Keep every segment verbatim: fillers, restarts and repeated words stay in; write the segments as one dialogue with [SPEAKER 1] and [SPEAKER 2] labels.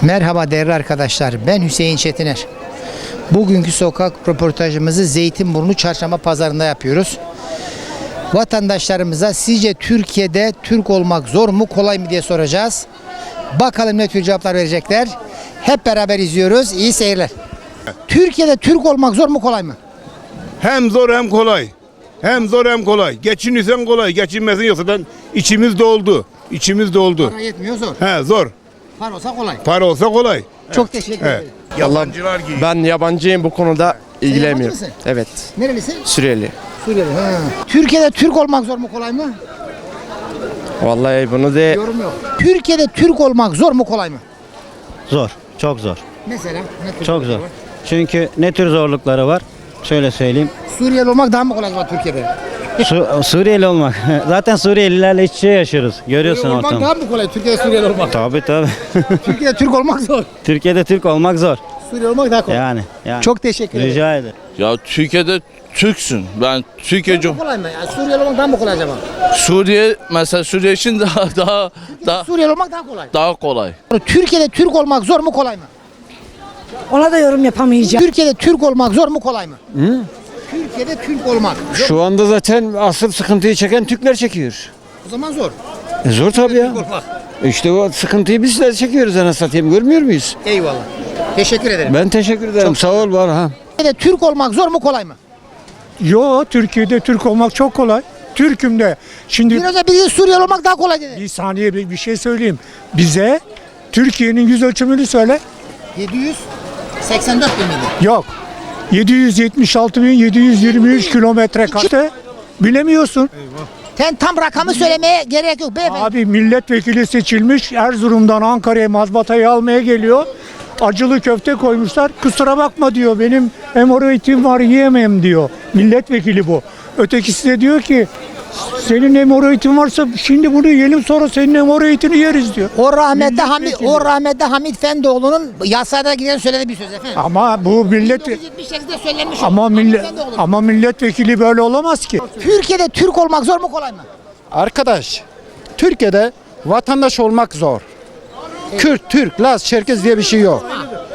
[SPEAKER 1] Merhaba değerli arkadaşlar, ben Hüseyin Çetiner. Bugünkü sokak röportajımızı Zeytinburnu Çarşamba Pazarı'nda yapıyoruz. Vatandaşlarımıza sizce Türkiye'de Türk olmak zor mu kolay mı diye soracağız. Bakalım ne tür cevaplar verecekler. Hep beraber izliyoruz. İyi seyirler. Türkiye'de Türk olmak zor mu kolay mı?
[SPEAKER 2] Hem zor hem kolay. Hem zor hem kolay. Geçinirsen kolay, geçinmezsen yoksa ben içimiz doldu. İçimiz doldu.
[SPEAKER 1] Para yetmiyor, zor.
[SPEAKER 2] He zor.
[SPEAKER 1] Para olsa kolay.
[SPEAKER 2] Para olsa kolay.
[SPEAKER 1] Çok teşekkür
[SPEAKER 2] Evet.
[SPEAKER 1] ederim.
[SPEAKER 2] Yabancılar gibi.
[SPEAKER 3] Ben yabancıyım, bu konuda ilgilenmiyorum.
[SPEAKER 1] mısın?
[SPEAKER 3] Evet.
[SPEAKER 1] Nerelisin?
[SPEAKER 3] Suriyeli.
[SPEAKER 1] Suriyeli. Ha. Türkiye'de Türk olmak zor mu kolay mı?
[SPEAKER 3] Vallahi bunu de
[SPEAKER 1] Yorum yok. Türkiye'de Türk olmak zor mu kolay mı?
[SPEAKER 4] Zor, çok zor.
[SPEAKER 1] Mesela ne tür
[SPEAKER 4] Çok zor.
[SPEAKER 1] zorluklar var?
[SPEAKER 4] Çünkü ne tür zorlukları var? Şöyle söyleyeyim.
[SPEAKER 1] Suriyeli olmak daha mı kolay acaba Türkiye'de?
[SPEAKER 4] Su- Suriyeli olmak. Zaten Suriyelilerle iç içe yaşıyoruz. Görüyorsun
[SPEAKER 1] Suriyeli olmak
[SPEAKER 4] ortamı.
[SPEAKER 1] daha mı kolay Türkiye'de Suriyeli olmak?
[SPEAKER 4] Tabii tabii.
[SPEAKER 1] Türkiye'de Türk olmak zor.
[SPEAKER 4] Türkiye'de Türk olmak zor.
[SPEAKER 1] Suriyeli olmak daha kolay.
[SPEAKER 4] Yani. yani.
[SPEAKER 1] Çok teşekkür ederim.
[SPEAKER 4] Rica ederim.
[SPEAKER 5] Ya Türkiye'de Türksün. Ben Türkiye
[SPEAKER 1] Daha mı kolay mı? Yani Suriyeli olmak daha mı kolay acaba?
[SPEAKER 5] Suriye mesela Suriye için daha daha daha,
[SPEAKER 1] Suriyeli olmak daha kolay.
[SPEAKER 5] daha kolay.
[SPEAKER 1] Türkiye'de Türk olmak zor mu kolay mı?
[SPEAKER 6] Ona da yorum yapamayacağım.
[SPEAKER 1] Türkiye'de Türk olmak zor mu kolay mı? Türkiye'de Türk olmak zor.
[SPEAKER 7] Şu anda zaten asıl sıkıntıyı çeken Türkler çekiyor.
[SPEAKER 1] O zaman zor.
[SPEAKER 7] E zor tabii ya.
[SPEAKER 1] Türk olmak.
[SPEAKER 7] İşte o sıkıntıyı bizler çekiyoruz anasını satayım, görmüyor muyuz?
[SPEAKER 1] Eyvallah. Teşekkür ederim.
[SPEAKER 7] Ben teşekkür ederim. Sağ ol var ha.
[SPEAKER 1] Türkiye'de Türk olmak zor mu kolay mı?
[SPEAKER 8] Yo, Türkiye'de Türk olmak çok kolay. Türk'üm de. Şimdi
[SPEAKER 1] Bir önce birisi Suriyeli olmak daha kolay dedi.
[SPEAKER 8] bir saniye bir, bir şey söyleyeyim. Bize Türkiye'nin yüz ölçümünü söyle.
[SPEAKER 1] yedi yüz seksen dört bin miydi?
[SPEAKER 8] Yok. yedi yüz yetmiş altı bin yedi yüz yirmi üç kilometre kare. Bilemiyorsun.
[SPEAKER 1] Sen tam rakamı söylemeye gerek yok beyefendi.
[SPEAKER 8] Abi milletvekili seçilmiş. Erzurum'dan Ankara'ya mazbatayı almaya geliyor. Acılı köfte koymuşlar. Kusura bakma diyor. Benim hemoroidim var, yiyemem diyor. Milletvekili bu. Ötekisi de diyor ki senin hemoroidin varsa şimdi bunu yiyelim, sonra senin hemoroidini yeriz diyor.
[SPEAKER 1] O rahmetli Hamit,
[SPEAKER 8] Milletvekili.
[SPEAKER 1] o rahmetli Hamit Fendoğlu'nun yasada giden söylediği bir söz efendim.
[SPEAKER 8] Ama bu millet
[SPEAKER 1] bin dokuz yüz yetmiş sekizde söylenmiş. o.
[SPEAKER 8] ama
[SPEAKER 1] Hamit
[SPEAKER 8] millet
[SPEAKER 1] Fendoğlu.
[SPEAKER 8] ama milletvekili böyle olamaz ki.
[SPEAKER 1] Türkiye'de Türk olmak zor mu kolay mı?
[SPEAKER 3] arkadaş, Türkiye'de vatandaş olmak zor. Kürt, Türk, Laz, Çerkez diye bir şey yok.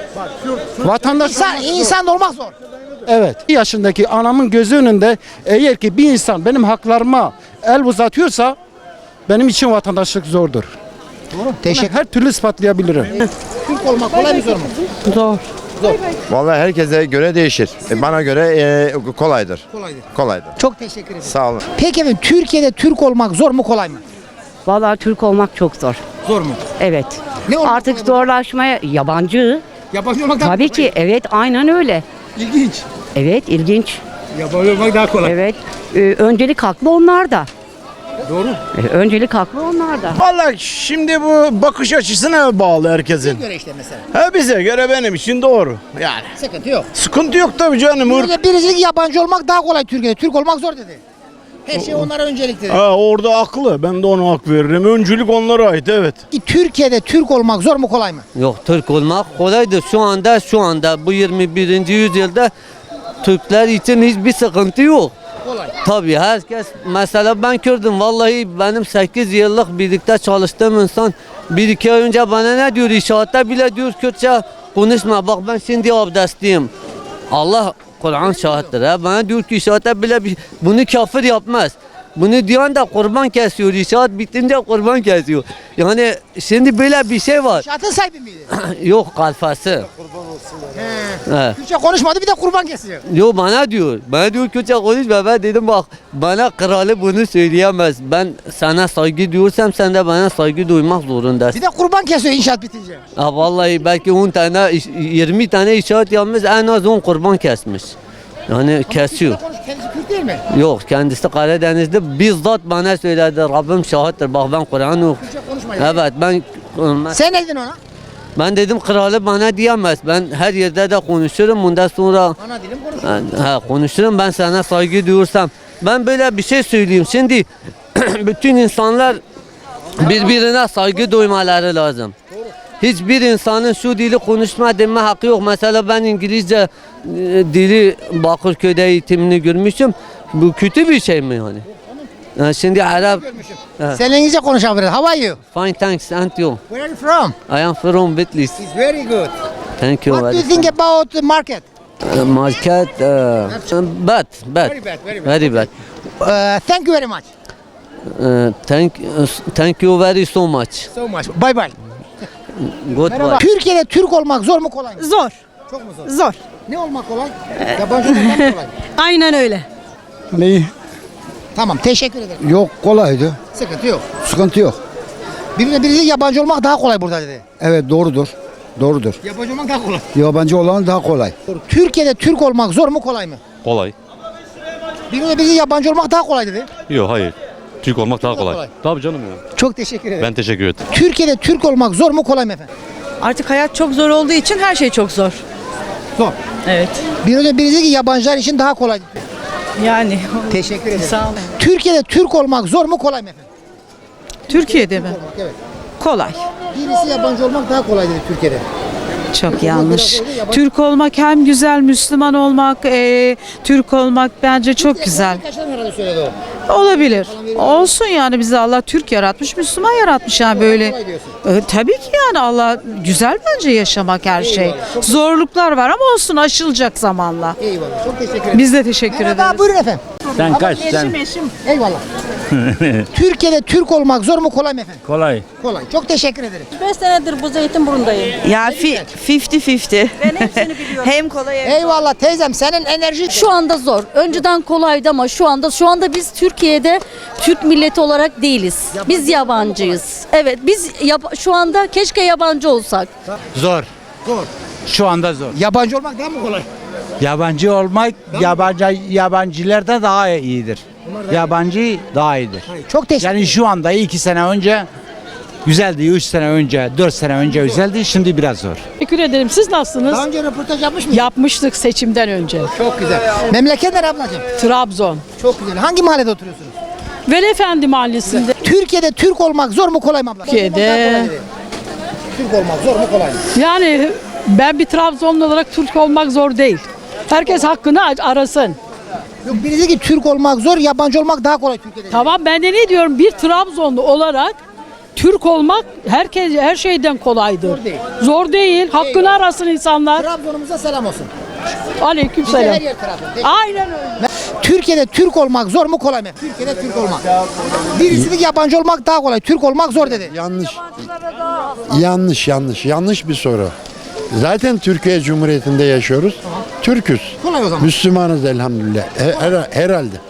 [SPEAKER 3] Vatandaş
[SPEAKER 1] İnsan, insan da olmak zor.
[SPEAKER 3] evet. Bir yaşındaki anamın gözü önünde eğer ki bir insan benim haklarıma el uzatıyorsa benim için vatandaşlık zordur.
[SPEAKER 1] Teşekkür.
[SPEAKER 3] Her türlü ispatlayabilirim.
[SPEAKER 1] Türk olmak kolay mı zor mu?
[SPEAKER 6] Zor.
[SPEAKER 9] Vallahi herkese göre değişir. E, Bana göre e, kolaydır.
[SPEAKER 1] Kolaydır.
[SPEAKER 9] Kolaydır.
[SPEAKER 1] Çok teşekkür ederim.
[SPEAKER 9] Sağ olun.
[SPEAKER 1] Peki efendim Türkiye'de Türk olmak zor mu kolay mı?
[SPEAKER 6] Vallahi Türk olmak çok zor.
[SPEAKER 1] Zor mu?
[SPEAKER 6] Evet.
[SPEAKER 1] Ne olmak
[SPEAKER 6] Artık
[SPEAKER 1] kolay mı?
[SPEAKER 6] zorlaşmaya yabancı.
[SPEAKER 1] Yabancı olmak daha
[SPEAKER 6] Tabii ki evet aynen öyle.
[SPEAKER 1] İlginç.
[SPEAKER 6] Evet ilginç.
[SPEAKER 1] Yabancı olmak daha kolay.
[SPEAKER 6] Evet. Ee, öncelik haklı onlar da. Doğru. öncelik haklı onlar da.
[SPEAKER 7] Vallahi şimdi bu bakış açısına bağlı herkesin.
[SPEAKER 1] Göre işte mesela.
[SPEAKER 7] Ha bize göre benim için doğru. Yani
[SPEAKER 1] Sıkıntı yok.
[SPEAKER 7] sıkıntı yok tabii canım.
[SPEAKER 1] Burada birisi yabancı olmak daha kolay Türkiye'de. Türk olmak zor dedi. Her şey onlara öncelik dedi.
[SPEAKER 7] Ha, orada haklı. Ben de ona hak veririm. Öncülük onlara ait, evet.
[SPEAKER 1] Türkiye'de Türk olmak zor mu kolay mı?
[SPEAKER 10] Yok, Türk olmak kolaydır. Şu anda şu anda bu yirmi birinci yüzyılda Türkler için hiçbir sıkıntı yok.
[SPEAKER 1] Kolay.
[SPEAKER 10] Tabii herkes, mesela ben Kürdüm, vallahi benim sekiz yıllık birlikte çalıştığım insan bir iki ay önce bana ne diyor, inşaatta bile diyor Kürtçe konuşma, bak ben şimdi abdestliyim. Allah Kur'an şahittir ha. Bana diyor ki inşaatta bile bir, bunu kafir yapmaz. Bunu diyen de kurban kesiyor. İnşaat bitince kurban kesiyor. Yani şimdi böyle bir şey var.
[SPEAKER 1] Şartın sahibi miydi?
[SPEAKER 10] Yok kalfası. He.
[SPEAKER 1] Türkçe konuşmadı bir de kurban kesiyor.
[SPEAKER 10] Yo bana diyor. Bana diyor Kürtçe konuşma. Ben dedim bak bana kralı bunu söyleyemez. Ben sana saygı diyorsam sen de bana saygı duymak zorundasın.
[SPEAKER 1] Bir de kurban kesiyor inşaat bitince.
[SPEAKER 10] Ha vallahi belki on tane iş- yirmi tane inşaat yapmış, en az on kurban kesmiş. Yani kesiyor.
[SPEAKER 1] Türkçe konuş- Kendisi Kürt değil mi?
[SPEAKER 10] Yok kendisi Karadeniz'de bizzat bana söyledi. Rabbim şahittir. Bak ben Kur'an ok.
[SPEAKER 1] Türkçe konuşmayın.
[SPEAKER 10] Evet ben
[SPEAKER 1] Sen ne dedin ona?
[SPEAKER 10] ben dedim kralı bana diyemez. Ben her yerde de konuşurum. Bundan sonra
[SPEAKER 1] Ana dilim konuşuyor.
[SPEAKER 10] ha, konuşurum, ben sana saygı duyursam. Ben böyle bir şey söyleyeyim. Şimdi bütün insanlar birbirine saygı duymaları lazım. Hiçbir insanın şu dili konuşma deme hakkı yok. Mesela ben İngilizce e, dili Bakırköy'de eğitimini görmüşüm. Bu kötü bir şey mi yani? Ha, Şimdi Arap.
[SPEAKER 1] Sen İngilizce konuşabilir. How are you?
[SPEAKER 10] Fine, thanks. And you?
[SPEAKER 1] Where are you from?
[SPEAKER 10] I am from Bitlis.
[SPEAKER 1] It's very good.
[SPEAKER 10] Thank you.
[SPEAKER 1] What do you
[SPEAKER 10] very
[SPEAKER 1] think about the market?
[SPEAKER 10] Uh, market, uh, bad, bad,
[SPEAKER 1] Very bad, very bad.
[SPEAKER 10] very bad.
[SPEAKER 1] Uh, thank you very much.
[SPEAKER 10] Uh, thank, uh, thank you very so much.
[SPEAKER 1] So much. Bye bye.
[SPEAKER 10] Goodbye.
[SPEAKER 1] Türkiye'de Türk olmak zor mu kolay mı?
[SPEAKER 11] Zor.
[SPEAKER 1] Çok mu zor?
[SPEAKER 11] Zor.
[SPEAKER 1] Ne olmak kolay? Yabancı olmak mı kolay?
[SPEAKER 11] Aynen öyle.
[SPEAKER 3] Ne?
[SPEAKER 1] Tamam teşekkür ederim.
[SPEAKER 3] Yok kolaydı.
[SPEAKER 1] Sıkıntı yok.
[SPEAKER 3] Sıkıntı yok.
[SPEAKER 1] Birine birisi yabancı olmak daha kolay burada dedi.
[SPEAKER 3] Evet doğrudur. Doğrudur.
[SPEAKER 1] Yabancı olmak daha kolay.
[SPEAKER 3] Yabancı olan daha kolay.
[SPEAKER 1] Türkiye'de Türk olmak zor mu kolay mı?
[SPEAKER 7] Kolay.
[SPEAKER 1] Birine birisi yabancı olmak daha kolay dedi.
[SPEAKER 7] Yok hayır. Türk olmak daha
[SPEAKER 1] kolay.
[SPEAKER 7] kolay. Tabii canım ya.
[SPEAKER 1] Çok teşekkür ederim.
[SPEAKER 7] Ben teşekkür ederim.
[SPEAKER 1] Türkiye'de Türk olmak zor mu kolay mı efendim?
[SPEAKER 11] Artık hayat çok zor olduğu için her şey çok zor.
[SPEAKER 1] Zor.
[SPEAKER 11] Evet.
[SPEAKER 1] Bir önce birisi ki yabancılar için daha kolay.
[SPEAKER 11] Yani
[SPEAKER 1] Teşekkür ederim.
[SPEAKER 11] sağ olun.
[SPEAKER 1] Türkiye'de Türk olmak zor mu kolay mı efendim?
[SPEAKER 11] Türkiye'de mi?
[SPEAKER 1] Evet.
[SPEAKER 11] Kolay.
[SPEAKER 1] Birisi yabancı olmak daha kolay dedi Türkiye'de.
[SPEAKER 11] Çok yanlış. Türk olmak hem güzel, Müslüman olmak, eee, Türk olmak bence çok güzel.
[SPEAKER 1] Arkadaşlar herhalde söyledi o.
[SPEAKER 11] Olabilir. Olsun yani bizi Allah Türk yaratmış, Müslüman yaratmış yani böyle.
[SPEAKER 1] Kolay diyorsun.
[SPEAKER 11] E, tabii ki yani Allah güzel bence yaşamak her şey. Zorluklar var ama olsun aşılacak zamanla.
[SPEAKER 1] Eyvallah. Çok teşekkür ederim.
[SPEAKER 11] Biz de teşekkür
[SPEAKER 1] Merhaba
[SPEAKER 11] ederiz.
[SPEAKER 1] buyurun efendim.
[SPEAKER 4] Sen kaç sen?
[SPEAKER 1] Eyvallah. Türkiye'de Türk olmak zor mu kolay mı efendim?
[SPEAKER 4] Kolay.
[SPEAKER 1] Kolay. Çok teşekkür ederim.
[SPEAKER 11] beş senedir bu Zeytinburnu'ndayım.
[SPEAKER 12] Ya fi- fifty fifty.
[SPEAKER 11] Ben hepsini biliyorum.
[SPEAKER 12] Hem kolay hem
[SPEAKER 1] Eyvallah teyzem senin enerji
[SPEAKER 6] Şu anda zor. Önceden kolaydı ama şu anda şu anda biz Türkiye'de Türk milleti olarak değiliz. Biz yabancıyız. Evet biz yab- şu anda keşke yabancı olsak.
[SPEAKER 3] Zor.
[SPEAKER 1] Zor.
[SPEAKER 3] Şu anda zor.
[SPEAKER 1] Yabancı olmak daha mı kolay?
[SPEAKER 3] Yabancı olmak yabancı yabancılarda daha iyidir. Yabancı daha iyidir.
[SPEAKER 1] Çok teşekkür
[SPEAKER 3] Yani şu anda iki sene önce güzeldi, üç sene önce, dört sene önce güzeldi, şimdi biraz zor.
[SPEAKER 11] Teşekkür ederim. Siz nasılsınız?
[SPEAKER 1] Daha önce röportaj yapmış mıydın?
[SPEAKER 11] Yapmıştık seçimden önce.
[SPEAKER 1] Çok güzel. Memleket nere ablacığım?
[SPEAKER 11] Trabzon.
[SPEAKER 1] Çok güzel. Hangi mahallede oturuyorsunuz?
[SPEAKER 11] Velefendi Mahallesi'nde.
[SPEAKER 1] Türkiye'de Türk olmak zor mu kolay mı abla?
[SPEAKER 11] Türkiye'de-
[SPEAKER 1] Türk olmak zor mu kolay mı?
[SPEAKER 11] Yani ben bir Trabzonlu olarak Türk olmak zor değil. Herkes hakkını arasın.
[SPEAKER 1] Yok birisi ki Türk olmak zor, yabancı olmak daha kolay Türkiye'de.
[SPEAKER 11] Tamam ben de ne diyorum bir Trabzonlu olarak Türk olmak herkes her şeyden kolaydır.
[SPEAKER 1] Zor değil.
[SPEAKER 11] Zor değil. Hakkını
[SPEAKER 1] Eyvallah.
[SPEAKER 11] arasın insanlar.
[SPEAKER 1] Trabzon'umuza selam olsun. Bize
[SPEAKER 11] Aleykümselam.
[SPEAKER 1] her yer Trabzon.
[SPEAKER 11] Aynen öyle.
[SPEAKER 1] Türkiye'de Türk olmak zor mu kolay mı? Türkiye'de Türk olmak. Birisi de yabancı olmak daha kolay. Türk olmak zor dedi.
[SPEAKER 9] Yanlış. Yanlış, yanlış. Yanlış bir soru. Zaten Türkiye Cumhuriyeti'nde yaşıyoruz. Türküz.
[SPEAKER 1] Kolay o zaman.
[SPEAKER 9] Müslümanız elhamdülillah. Her- her- herhalde.